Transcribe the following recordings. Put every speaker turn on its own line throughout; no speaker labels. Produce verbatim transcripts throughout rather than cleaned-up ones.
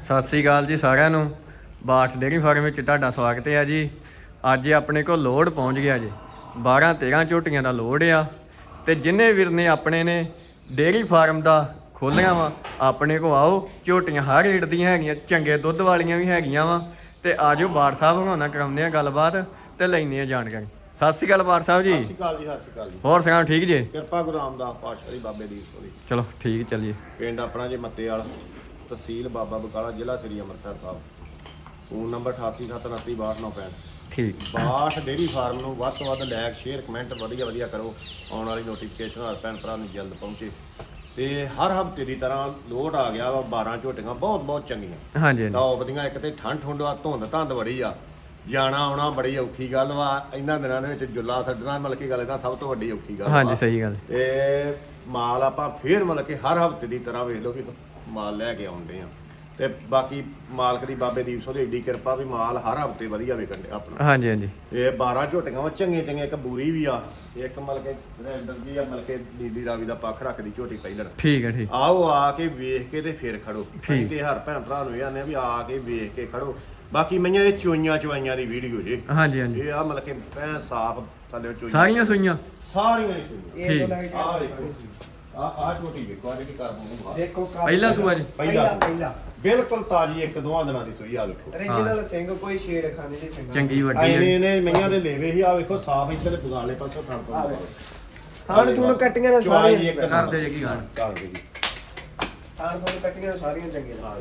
ਸਤਿ ਸ੍ਰੀ ਅਕਾਲ ਜੀ ਸਾਰਿਆਂ ਨੂੰ। ਬਾਠ ਡੇਅਰੀ ਫਾਰਮ ਵਿੱਚ ਤੁਹਾਡਾ ਸਵਾਗਤ ਹੈ ਜੀ। ਅੱਜ ਆਪਣੇ ਕੋਲ ਲੋਡ ਪਹੁੰਚ ਗਿਆ ਜੀ। ਬਾਰਾਂ ਤੇਰਾਂ ਝੋਟੀਆਂ ਦਾ ਲੋਡ ਆ ਤੇ ਜਿੰਨੇ ਵੀਰ ਨੇ ਆਪਣੇ ਨੇ ਡੇਅਰੀ ਫਾਰਮ ਦਾ ਖੋਲ੍ਹਿਆ ਵਾ ਆਪਣੇ ਕੋ ਆਓ। ਝੋਟੀਆਂ ਹਰ ਰੇਟ ਦੀਆਂ ਹੈਗੀਆਂ, ਚੰਗੇ ਦੁੱਧ ਵਾਲੀਆਂ ਵੀ ਹੈਗੀਆਂ ਵਾ ਤੇ ਆਜੋ ਬਾਠ ਸਾਹਿਬ ਹੋਣਾ ਕਰਾਉਂਦੇ ਆ ਗੱਲਬਾਤ ਤੇ ਲੈਂਦੇ ਆ ਜਾਣਕਾਰੀ। ਸਤਿ ਸ੍ਰੀ ਅਕਾਲ ਬਾਠ ਸਾਹਿਬ ਜੀ।
ਸਤਿ ਸ਼੍ਰੀ ਅਕਾਲ ਜੀ। ਸਤਿ ਸ਼੍ਰੀ ਅਕਾਲ ਜੀ।
ਹੋਰ ਸੁਣਾਓ, ਠੀਕ ਜੀ?
ਕਿਰਪਾ ਗੁਰੂ ਰਾਮਦਾਸ ਪਾਤਸ਼ਾਹ ਬਾਬੇ ਦੀ ਹੋਲੀ।
ਚਲੋ ਠੀਕ ਚੱਲੀਏ।
ਪਿੰਡ ਆਪਣਾ ਜੀ ਮੱਤੇ ਵਾਲਾ, ਤਹਿਸੀਲ ਬਾਬਾ ਬਕਾਲਾ, ਜ਼ਿਲ੍ਹਾ ਸ੍ਰੀ ਅੰਮ੍ਰਿਤਸਰ ਸਾਹਿਬ। ਫੋਨ ਨੰਬਰ ਅਠਾਸੀ ਸੱਤ ਉਨੱਤੀ ਬਾਹਠ ਨੌ ਪੈਂਹਠ।
ਠੀਕ।
ਬਾਠ ਡੇਅਰੀ ਫਾਰਮ ਨੂੰ ਵੱਧ ਤੋਂ ਵੱਧ ਲਾਇਕ ਸ਼ੇਅਰ ਕਮੈਂਟ ਵਧੀਆ ਵਧੀਆ ਕਰੋ। ਆਉਣ ਵਾਲੀ ਨੋਟੀਫਿਕੇਸ਼ਨ ਹਰ ਭੈਣ ਭਰਾ ਨੂੰ ਜਲਦ ਪਹੁੰਚੇ। ਤੇ ਹਰ ਹਫਤੇ ਦੀ ਤਰ੍ਹਾਂ ਲੋਡ ਆ ਗਿਆ ਵਾ। ਬਾਰਾਂ ਝੋਟੀਆਂ ਬਹੁਤ ਬਹੁਤ ਚੰਗੀਆਂ,
ਹਾਂਜੀ ਹਾਂਜੀ।
ਟੌਪ ਦੀਆਂ। ਇੱਕ ਤੇ ਠੰਡ ਠੁੰਡ ਆ, ਧੁੰਦ ਧੰਦ ਬੜੀ ਆ, ਜਾਣਾ ਆਉਣਾ ਬੜੀ ਔਖੀ ਗੱਲ ਵਾ। ਇਹਨਾਂ ਦਿਨਾਂ ਦੇ ਵਿੱਚ ਜੁੱਲਾ ਛੱਡਣਾ ਮਤਲਬ ਕਿ ਗੱਲ ਇਹਦਾ ਸਭ ਤੋਂ ਵੱਡੀ ਔਖੀ ਗੱਲ।
ਹਾਂਜੀ ਸਹੀ ਗੱਲ।
ਤੇ ਮਾਲ ਆਪਾਂ ਫੇਰ ਮਤਲਬ ਕਿ ਹਰ ਹਫਤੇ ਦੀ ਤਰ੍ਹਾਂ ਵੇਖ ਲਓ ਕਿ ਮਾਲ ਲੈ ਕੇ ਆਉਂਦੇ ਆ। ਤੇ ਬਾਕੀ ਮਾਲਕ ਦੀ ਬਾਬੇ ਦੀਪ ਸਿੰਘ ਦੀ ਏਡੀ ਕਿਰਪਾ ਵੀ ਮਾਲ ਹਰ ਹਫਤੇ ਵਧੀਆ ਵਿਕਣ ਡਿਆ ਆਪਣਾ।
ਹਾਂਜੀ ਹਾਂਜੀ।
ਤੇ ਬਾਰਾਂ ਝੋਟੀਆਂ ਵਾ ਚੰਗੀਆਂ ਚੰਗੀਆਂ। ਇੱਕ ਬੂਰੀ ਵੀ ਆ, ਇੱਕ ਮਤਲਬ ਕਿ ਰੈਂਡਰ ਜੀ ਆ, ਮਤਲਬ ਕਿ ਨੀਲੀ ਰਾਵੀ ਦਾ ਪੱਖ ਰੱਖਦੀ ਝੋਟੀ ਪਹਿਲਣ।
ਠੀਕ ਹੈ ਠੀਕ।
ਆਓ ਆ ਕੇ ਵੇਖ ਕੇ ਤੇ ਫੇਰ ਖੜੋ। ਅਸੀਂ ਤੇ ਹਰ ਭੈਣ ਭਰਾ ਨੂੰ ਇਹ ਆਨੇ ਵੀ ਆ ਕੇ ਵੇਖ ਕੇ ਖੜੋ। ਬਾਕੀ ਮਈਆਂ ਦੇ ਚੋਈਆਂ ਚਵਾਈਆਂ ਦੀ ਵੀਡੀਓ ਜੇ। ਹਾਂਜੀ ਹਾਂਜੀ। ਇਹ ਆ ਮਤਲਬ ਕਿ ਐ ਸਾਫ ਥੱਲੇ ਚੋਈਆਂ
ਸਾਰੀਆਂ ਸੂਈਆਂ
ਸਾਰੀਆਂ ਹੀ ਸੂਈਆਂ।
ਠੀਕ।
ਆ ਵੇਖੋ, ਆ ਆ ਝੋਟੀ ਵੇਖੋ, ਆ ਜਿਹੜੀ ਕਰ ਮੂੰਹ
ਦੇਖੋ
ਪਹਿਲਾ ਸੂਆ ਜੀ।
ਪਹਿਲਾ
ਪਹਿਲਾ
ਬਿਲਕੁਲ ਤਾਜੀ, ਇੱਕ ਦੋਹਾਂ ਦਿਨਾਂ ਦੀ ਸੂਈ। ਆ ਵੇਖੋ
origignal ਸਿੰਘ, ਕੋਈ ਛੇੜ ਖਾਣੇ ਦੀ ਸਿੰਘ
ਚੰਗੀ ਵੱਡੀ
ਇਹਨੇ
ਹੈ।
ਇਹਨੇ ਮਈਆਂ ਦੇ ਲੇਵੇ ਹੀ। ਆ ਵੇਖੋ ਸਾਫ ਇੱਧਰ ਬਗਾਲੇ ਪਾਸੋਂ ਖਾਣ ਤੋਂ
ਥਾਣ ਥੁਣ ਕੱਟੀਆਂ ਨੇ ਸਾਰੀਆਂ
ਕਰਦੇ ਜੇ ਕੀ ਗਾਣ
ਕਰਦੇ ਜੀ।
ਥਾਣ ਥੁਣ ਕੱਟੀਆਂ ਨੇ ਸਾਰੀਆਂ ਚੰਗੀਆਂ ਨੇ।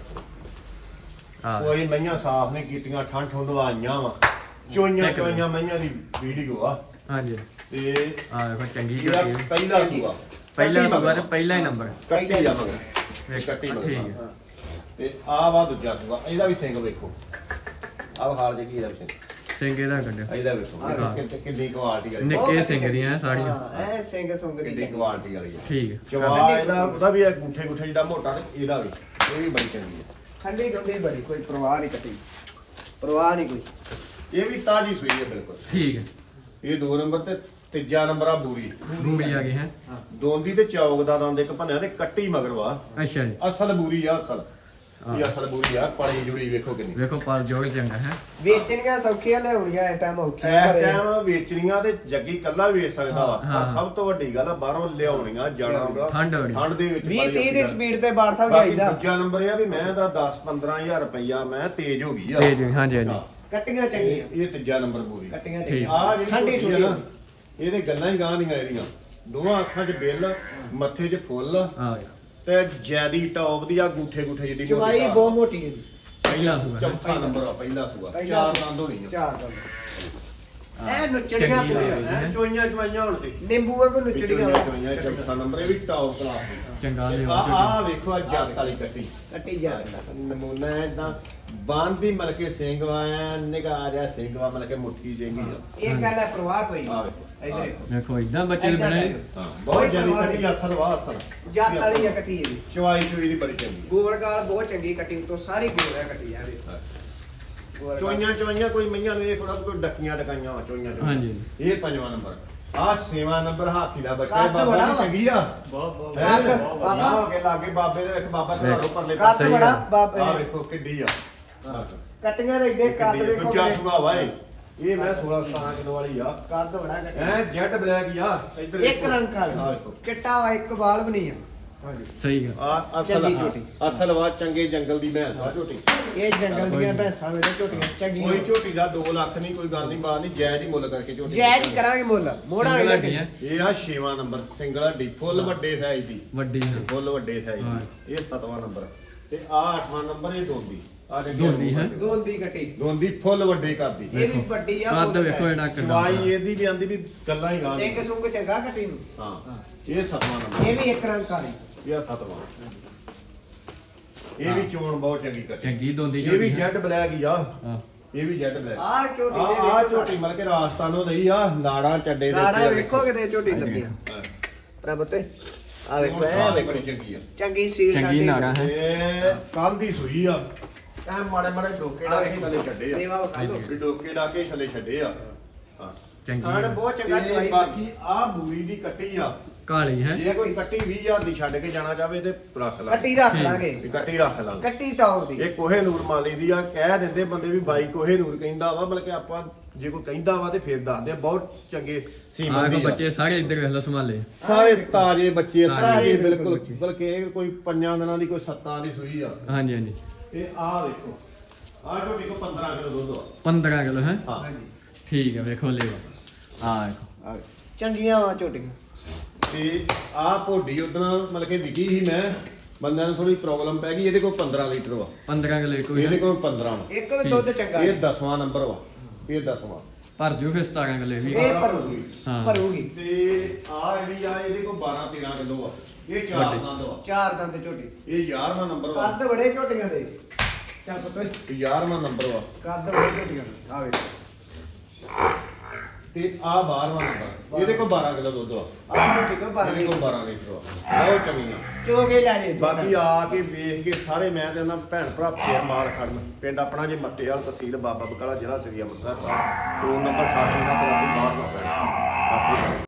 ਹਾਂ
ਕੋਈ ਮਈਆਂ ਸਾਫ ਨਹੀਂ ਕੀਤੀਆਂ, ਠੰਡ ਠੁੰਡ ਆਈਆਂ ਵਾ। ਚੋਈਆਂ ਚੋਈਆਂ ਮਈਆਂ ਦੀ ਵੀਡੀਓ ਆ।
ਹਾਂਜੀ।
ਤੇ
ਆ ਵੇਖੋ ਚੰਗੀ
ਜਿਹੜਾ
ਝੋਟੀ ਹੈ।
ਪਹਿਲਾ ਸੂਆ
ਪਹਿਲਾ ਸੂਆ ਤੇ ਪਹਿਲਾ ਹੀ ਨੰਬਰ
ਕੱਟੀ ਆ ਮਗਰ।
ਵੇਖ
ਕੱਟੀ ਮਗਰ।
ਠੀਕ ਹੈ।
ਤੇ ਆ ਵਾ ਦੂਜਾ ਸੂਆ। ਇਹਦਾ ਵੀ ਸਿੰਘ ਵੇਖੋ। ਆ ਹਾਲ ਜੇ ਕੀ ਇਹਦਾ ਵੀ ਸਿੰਘ।
ਸਿੰਘੇ ਦਾ ਕੱਢਿਆ
ਇਹਦਾ ਵੇਖੋ ਕਿ- ਕਿੰਨੀ ਕੁਆਲਿਟੀ ਵਾਲੀ।
ਨਿੱਕੇ ਸਿੰਘ ਦੀਆਂ ਸਾਰੀਆਂ।
ਐ ਸਿੰਘ ਸੁੰਗ ਦੀ
ਕਿੰਨੀ ਕੁਆਲਿਟੀ ਵਾਲੀ ਆ।
ਠੀਕ ਹੈ।
ਚਵਾ ਇਹਦਾ ਉਹਦਾ ਵੀ ਇਹ ਗੁੱਠੇ ਗੁੱਠੇ ਜਿਹੜਾ ਮੋਟਾ ਤੇ ਇਹਦਾ ਵੀ ਇਹ ਵੀ ਬੜੀ ਚੰਗੀ ਹੈ।
ਠੰਡੀ ਠੰਡੀ ਬੜੀ, ਕੋਈ ਪ੍ਰਵਾਹ ਨਹੀਂ ਕੱਟੀ, ਪ੍ਰਵਾਹ ਨਹੀਂ ਕੋਈ।
ਇਹ ਵੀ ਤਾਜੀ ਸੂਈ ਹੈ ਬਿਲਕੁਲ।
ਠੀਕ ਹੈ।
ਇਹ ਦੋ ਨੰਬਰ ਤੇ ਤੀਜਾ ਨੰਬਰ ਆ ਬੂਰੀ।
ਬੂਰੀ ਆ ਗਈ ਹੈ।
ਦੋਂਦੀ ਤੇ ਚੌਕ ਦਾ ਦੰਦ ਇੱਕ ਭੰਨਿਆ ਤੇ ਕੱਟੀ ਮਗਰ ਵਾ।
ਅੱਛਾ ਜੀ।
ਅਸਲ ਬੂਰੀ ਆ ਅਸਲ। ਇਹ ਅਸਲ ਬੂਰੀ ਆ। ਪੜੀ ਜੁੜੀ ਵੇਖੋ ਕਿੰਨੀ।
ਵੇਖੋ ਪਰ ਜੋੜ ਚੰਗਾ ਹੈ।
ਵੇਚਣੀਆਂ ਸੌਖੀਆਂ ਲਿਆਉਣੀਆਂ ਇਸ ਟਾਈਮ ਔਖੀਆਂ
ਇਸ
ਪਰ ਇਹ-
ਟਾਈਮ ਵੇਚਣੀਆਂ ਤੇ ਜੱਗੀ ਕੱਲਾ ਵੇਚ ਸਕਦਾ ਵਾ।
ਹਾਂ।
ਪਰ ਸਭ ਤੋਂ ਵੱਡੀ ਗੱਲ ਆ ਬਾਹਰੋਂ ਲਿਆਉਣੀਆਂ ਜਾਣਾ ਹੋਗਾ।
ਠੰਡ ਬੜੀ।
ਠੰਡ ਦੇ ਵਿੱਚ
ਵੀਹ
ਬੜੀ
ਤੀਹ ਦੀ
ਔਖੀ
ਸਪੀਡ ਤੇ ਬਾੜ ਸਾਹਿਬ
ਬਾਕੀ
ਜਾਈਦਾ।
ਦੂਜਾ ਨੰਬਰ ਇਹ ਆ ਵੀ ਮੈਂ ਦਾ ਦਸ ਪੰਦਰਾਂ ਹਜ਼ਾਰ ਰੁਪਈਆ ਮੈਂ ਤੇਜ਼ ਹੋ ਗਈ ਆ।
ਤੇਜ਼ ਹੋਈ, ਹਾਂਜੀ, ਹਾਂਜੀ।
ਹਾਂ।
ਕੱਟੀਆਂ ਚੰਗੀਆਂ,
ਇਹ ਇਹ ਤੀਜਾ ਨੰਬਰ ਬੂਰੀ।
ਕੱਟੀਆਂ
ਠੀਕ।
ਚੰਗੀਆਂ।
ਆ ਜਿਹੜੀ
ਠੰਡੀ
ਠੰਡੀ
ਠੰਡੀ
ਨਾ, ਇਹਦੇ ਗੱਲਾਂ ਹੀ ਗਾਂ ਦੀਆਂ ਇਹਦੀਆਂ। ਦੋਵਾਂ ਅੱਖਾਂ 'ਚ ਬਿੱਲ, ਮੱਥੇ 'ਚ ਫੁੱਲ
ਆ
ਤੇ ਜੈਦੀ ਟੌਪ ਦੀ ਆ, ਗੂਠੇ ਗੂਠੇ ਜਿਹੜੀ
ਚਵਾਈ
ਘਾਹ।
ਬਹੁਤ ਮੋਟੀ ਹੈ ਜੀ।
ਪਹਿਲਾ ਸੂਆ ਹੈ।
ਚੌਥਾ ਨੰਬਰ ਆ, ਪਹਿਲਾ ਸੂਆ।
ਪਹਿਲਾ
ਚਾਰ
ਸੂਆ।
ਦੰਦ ਹੋਣੀ ਆ।
ਚਾਰ ਦੰਦ।
ਹਾਂ।
ਐ ਨੁਚੜੀਆਂ
ਚੰਗੀ
ਪੂਰੀਆਂ,
ਹੋਈ।
ਐ ਚੋਈਆਂ ਚਵਾਈਆਂ ਹੁਣ ਤੇ
ਨਿੰਬੂ ਵਾਂਗੂ ਨੁਚੜੀਆਂ
ਚੋਈਆਂ ਚੋਈਆਂ ਚੌਥਾ ਨੰਬਰ। ਇਹ ਵੀ ਟੌਪ ਕਲਾਸ ਦੀ।
ਚੰਗਾ
ਤੇ
ਲਿਓ
ਆ ਆ ਵੇਖੋ ਆ ਜੱਟ ਵਾਲੀ ਕੱਟੀ।
ਕੱਟੀ ਜਾ
ਨਮੂਨਾ ਇਦਾਂ ਬੰਦੀ ਮਲਕੇ ਸਿੰਘ ਵਾ, ਨਿਗਾਹ ਜਿਹਾ ਸਿੰਘ ਵਾ, ਮਲਕੇ ਮੁੱਠੀ ਜਿਹੀ ਆ।
ਇਹ ਗੱਲ ਹੈ, ਪ੍ਰਵਾਹ ਕੋਈ
ਆ
ਨਹੀਂ।
ਵੇਖੋ
ਇੱਧਰ ਦੇਖੋ,
ਵੇਖੋ ਇਦਾਂ ਬੱਚੇ ਦੇ
ਏਦਾਂ
ਬਣੇ।
ਦੇਖੋ।
ਹਾਂ ਬਹੁਤ ਜਿਆਦੀ ਕੱਟੀ ਅਸਲ ਵਾ ਅਸਲ।
ਜੱਟ ਵਾਲੀ ਆ ਕੱਟੀ ਇਹਦੀ।
ਚਵਾਈ ਚੋਈ ਦੀ ਬੜੀ ਚੰਗੀ।
ਗੋਲ ਗਾਲ ਬਹੁਤ ਚੰਗੀ ਕੱਟੀ, ਤੋਂ ਸਾਰੀ ਗੋਲ ਹੈ ਕੱਟੀ ਆ ਵੇਖ। ਗੋਲ ਗਾਲ।
ਚੋਈਆਂ ਚੋਈਆਂ ਕੋਈ ਮਈਆਂ ਨੂੰ ਇਹ ਥੋੜਾ ਕੋਈ ਡੱਕੀਆਂ ਡਕਾਈਆਂ ਵਾ ਚੋਈਆਂ ਚੋਈਆਂ।
ਹਾਂਜੀ।
ਇਹ ਪੰਜਵਾਂ ਨੰਬਰ। ਆ ਛੇਵਾਂ ਨੰਬਰ ਹਾਥੀ ਦਾ ਬੱਚਾ।
ਕੱਦ
ਬਾਬਾ
ਬੜਾ
ਦੀ
ਵਾ।
ਚੰਗੀ ਆ।
ਬਹੁਤ ਬਹੁਤ
ਹੈਂ?
ਕੱਦ
ਬਾਬਾ
ਬਾਬਾ।
ਹੋ ਕੇ ਲਾਗੇ ਬਾਬੇ ਦੇ ਵੇਖ ਬਾਬਾ ਘਰੋਂ ਪਰਲੇ
ਕੱਦ
ਸਹੀ
ਬੜਾ
ਗੱਲ।
ਬਾਪ
ਆ ਵੇਖੋ ਕਿੱਡੀ ਆ।
ਕੱਟੀਆਂ ਦੇ ਏਡੇ ਕੱਦ
ਕਿੱਡੀ ਆ।
ਵੇਖੋ
ਦੂਜਾ
ਕਿੰਨੇ।
ਸੂਆ ਵਾ ਇਹ। ਇਹ ਮੈਂ ਸੋਲਾਂ ਸਤਾਰਾਂ ਕਿਲੋ ਵਾਲੀ ਆ।
ਕੱਦ ਬੜਾ ਕੱਟੀ।
ਐ ਜੈਟ ਬਲੈਕ ਆ। ਇੱਧਰ
ਇੱਕ ਰੰਗ
ਆ
ਕਾਲਾ,
ਵੇਖੋ।
ਚਿੱਟਾ ਵਾ, ਇੱਕ ਬਾਲ ਵੀ ਨਹੀਂ ਆ। ਹਾਂਜੀ।
ਸਹੀ ਗੱਲ।
ਆ ਅਸਲ
ਚੰਗੀ ਝੋਟੀ।
ਅਸਲ ਵਾ ਚੰਗੇ ਜੰਗਲ ਦੀ ਭੈਂਸ ਆ ਝੋਟੀ।
ਇਹ ਜੰਗਲ ਦੀਆਂ ਭੈਂਸਾਂ ਵੇਲੇ ਝੋਟੀਆਂ
ਕੋਈ
ਚੰਗੀਆਂ।
ਝੋਟੀ ਦਾ ਦੋ ਲੱਖ ਨਹੀਂ, ਕੋਈ ਗੱਲ ਨਹੀਂ, ਬਾਤ ਨਹੀਂ, ਜਾਇਜ਼ ਹੀ ਮੁੱਲ ਕਰਕੇ ਝੋਟੀ
ਜਾਇਜ਼ ਹੀ ਕਰਾਂਗੇ ਮੁੱਲ, ਮੋੜਾ
ਸਿੰਗਲ
ਵੀ
ਹੱਡੀ ਹੈ।
ਇਹ ਆ ਛੇਵਾਂ ਨੰਬਰ ਸਿੰਗਲ ਹੱਡੀ ਫੁੱਲ ਵੱਡੇ ਸਾਈਜ਼ ਦੀ।
ਵੱਡੀ ਹੈ।
ਫੁੱਲ ਵੱਡੇ ਸਾਈਜ਼
ਹਾਂ।
ਦੀ। ਇਹ ਸੱਤਵਾਂ ਨੰਬਰ ਤੇ ਆ ਅੱਠਵਾਂ ਨੰਬਰ। ਇਹ ਦੋਂਦੀ ਆ
ਦੋਂਦੀ ਹੈ।
ਦੋਂਦੀ ਕੱਟੀ।
ਦੋਂਦੀ ਫੁੱਲ ਵੱਡੇ ਕਰਦੀ।
ਇਹ ਵੀ ਵੱਡੀ ਆ।
ਕੱਦ
ਫੁੱਲ
ਵੇਖੋ ਇਹਦਾ ਕਿੰਨਾ
ਚਵਾਈ ਇਹਦੀ ਵੀ ਆਂਦੀ ਵੀ ਗੱਲਾਂ ਹੀ ਗਾਂ
ਸਿੰਘ ਸੁੰਗ ਚੰਗਾ ਕੱਟੀ ਨੂੰ।
ਹਾਂ ਇਹ ਸੱਤਵਾਂ ਨੰਬਰ।
ਇਹ ਵੀ ਇੱਕ ਰੰਗ ਕਾਲੀ।
ਇਹ ਆ ਸੱਤਵਾਂ। ਇਹ ਵੀ ਚੋਣ ਬਹੁਤ ਚੰਗੀ ਕੱਟੀ।
ਚੰਗੀ ਦੋਂਦੀ
ਇਹ ਵੀ
ਝੋਟੀ ਹੈ।
ਜੈਟ ਬਲੈਕ ਹੀ ਆ।
ਹਾਂ।
ਇਹ ਵੀ ਜੈਟ ਬਲੈਕ।
ਆਹ ਝੋਟੀ
ਆ
ਦੇ
ਆ
ਵੇਖੋ
ਝੋਟੀ ਮਲ ਕੇ ਰਾਜਸਥਾਨੋਂ ਲਈ ਆ। ਨਾੜਾਂ ਚੱਡੇ ਦੇ
ਨਾੜਾ
ਉੱਤੇ
ਵੇਖੋ ਕਿਤੇ ਝੋਟੀ ਲੱਗੀਆਂ।
ਹਾਂ।
ਪ੍ਰਭ ਤੇ ਆ ਵੇਖੋ
ਹੁਣ
ਐ
ਸਾਲ
ਵੇਖੋ
ਬੜੀ ਚੰਗੀ ਆ।
ਚੰਗੀ ਸੀਲ
ਚੰਗੀ
ਸਾਡੀ।
ਨਾੜਾ ਹੈ।
ਇਹ ਕੱਲ ਦੀ ਸੂਈ ਆ। ਐ ਮਾੜੇ ਮਾੜੇ ਡੋਕੇ
ਆ
ਡਾਕੇ
ਵੇਖੋ।
ਥੱਲੇ ਛੱਡੇ ਆ।
ਦੇਵਾ ਵਿਖਾ ਲਓ।
ਵੀ ਡੋਕੇ ਡਾਕੇ ਥੱਲੇ ਛੱਡੇ ਆ। ਹਾਂ
ਚੰਗੀ
ਖਾਣ
ਹੈ।
ਬਹੁਤ ਚੰਗਾ
ਤੇ
ਚਵਾਈ।
ਬਾਕੀ ਆ ਬੂਰੀ ਦੀ ਕੱਟੀ ਆ।
ਕਾਲੀ ਹੈ
ਜੇ ਕੋਈ ਕੱਟੀ ਵੀਹ ਹਜ਼ਾਰ ਦੀ ਛੱਡ ਕੇ ਜਾਣਾ ਚਾਹਵੇ ਤੇ ਰੱਖ ਲਾ
ਕੱਟੀ ਰੱਖ
ਠੀਕ।
ਲਾਂਗੇ
ਵੀ ਕੱਟੀ ਰੱਖ ਲਾਂਗੇ
ਕੱਟੀ ਟੌਪ ਦੀ
ਇਹ ਕੋਹੇ ਨੂਰ ਮੰਨ ਲਈਦੀ ਆ ਕਹਿ ਦਿੰਦੇ ਬੰਦੇ ਵੀ ਬਾਈ ਕੋਹੇ ਨੂਰ ਕਹਿੰਦਾ ਵਾ ਬਲਕਿ ਆਪਾਂ ਜੇ ਕੋਈ ਕਹਿੰਦਾ ਵਾ ਤੇ ਫਿਰ ਦੱਸਦੇ ਆ ਬਹੁਤ ਚੰਗੇ
ਆਹ
ਸੀਮਨ
ਕੋ
ਦੀ ਆ
ਬੱਚੇ ਸਾਰੇ ਇੱਧਰ ਵੇਖ ਲਓ ਸੰਭਾਲੇ
ਸਾਰੇ ਤਾਜ਼ੇ ਬੱਚੇ
ਤਾਜ਼ੇ,
ਤਾਜ਼ੇ
ਬਿਲਕੁਲ
ਬਿਲਕੁਲ
ਬੱਚੇ।
ਬਲਕਿ ਇਹ ਕੋਈ ਪੰਜਾਂ ਦਿਨਾਂ ਦੀ ਕੋਈ ਸੱਤਾਂ ਦੀ ਸੂਈ ਆ
ਹਾਂਜੀ ਹਾਂਜੀ
ਇਹ ਆਹ ਦੇਖੋ ਆਹ ਝੋਟੀ ਕੋ ਪੰਦਰਾਂ ਕਿਲੋ ਦੁੱਧ ਆ
ਪੰਦਰਾਂ ਕਿਲੋ ਹੈ
ਹਾਂ
ਹਾਂਜੀ
ਠੀਕ ਹੈ ਵੇਖੋ ਲੇਵਾ ਆ ਵੇਖੋ
ਆ ਚੰਗੀਆਂ ਵਾ ਝੋਟੀਆਂ
ਤੇ ਆਹ ਭੋਡੀ ਉਦਣਾ ਮਤਲਬ ਕਿ ਵਿਕੀ ਸੀ ਮੈਂ ਬੰਦਿਆਂ ਨੂੰ ਥੋੜੀ ਪ੍ਰੋਬਲਮ ਪੈ ਗਈ ਇਹਦੇ ਕੋਲ ਪੰਦਰਾਂ ਲੀਟਰ ਵਾ
ਪੰਦਰਾਂ ਕਿਲੋ ਇੱਕ
ਇਹਦੇ
ਵੀ
ਕੋਲ ਪੰਦਰਾਂ ਵਾ
ਇੱਕ ਵੀ ਦੁੱਧ ਚੰਗਾ
ਇਹ ਦਸਵਾਂ ਨੰਬਰ ਵਾ ਇਹ ਦਸਵਾਂ
ਭਰ ਜੂ ਫਿਰ ਸਤਾਰਾਂ ਕਿਲੋ ਇਹ ਵੀ
ਇਹ ਭਰੂਗੀ
ਹਾਂ।
ਭਰੂਗੀ
ਤੇ ਆ ਜਿਹੜੀ ਆ ਇਹਦੇ ਕੋਲ ਬਾਰਾਂ ਤੇਰਾਂ ਕਿਲੋ ਆ ਇਹ ਚਾਰ
ਵੱਡੀ।
ਦੰਦ ਵਾ
ਚਾਰ ਦੰਦ ਝੋਟੀ
ਇਹ ਗਿਆਰਵਾਂ ਨੰਬਰ ਵਾ
ਕੱਦ ਬੜੇ ਝੋਟੀਆਂ ਦੇ ਚੱਲ ਪੁੱਤ
ਇਹ ਗਿਆਰਵਾਂ ਨੰਬਰ ਵਾ
ਕੱਦ ਬੜੇ ਝੋਟੀਆਂ ਦੇ ਆ ਵੇਖ
ਤੇ ਆ ਬਾਰਵਾਂ ਨੰਬਰ ਇਹਦੇ ਕੋਲ ਬਾਰਾਂ ਕਿਲੋ ਦੁੱਧ ਵਾ
ਆ ਝੋਟੀ ਕੋ ਬਾਰਾਂ
ਇਹਦੇ ਕੋਲ ਬਾਰਾਂ ਲੀਟਰ ਵਾ ਬਹੁਤ ਚੰਗੀਆਂ
ਚੋਗੇ ਲੈ ਜੇ
ਬਾਕੀ ਆ ਕੇ ਵੇਖ ਕੇ ਸਾਰੇ ਮੈਂ ਤੇ ਉਹਨਾਂ ਭੈਣ ਭਰਾ ਫੇਰ ਮਾਲ ਖੜਨ ਪਿੰਡ ਆਪਣਾ ਜੇ ਮੱਤੇਵਾਲ ਤਹਿਸੀਲ ਬਾਬਾ ਬਕਾਲਾ ਜ਼ਿਲ੍ਹਾ ਸ੍ਰੀ ਅੰਮ੍ਰਿਤਸਰ ਸਾਹਿਬ ਫੋਨ ਨੰਬਰ ਅਠਾਸੀ ਸੱਤ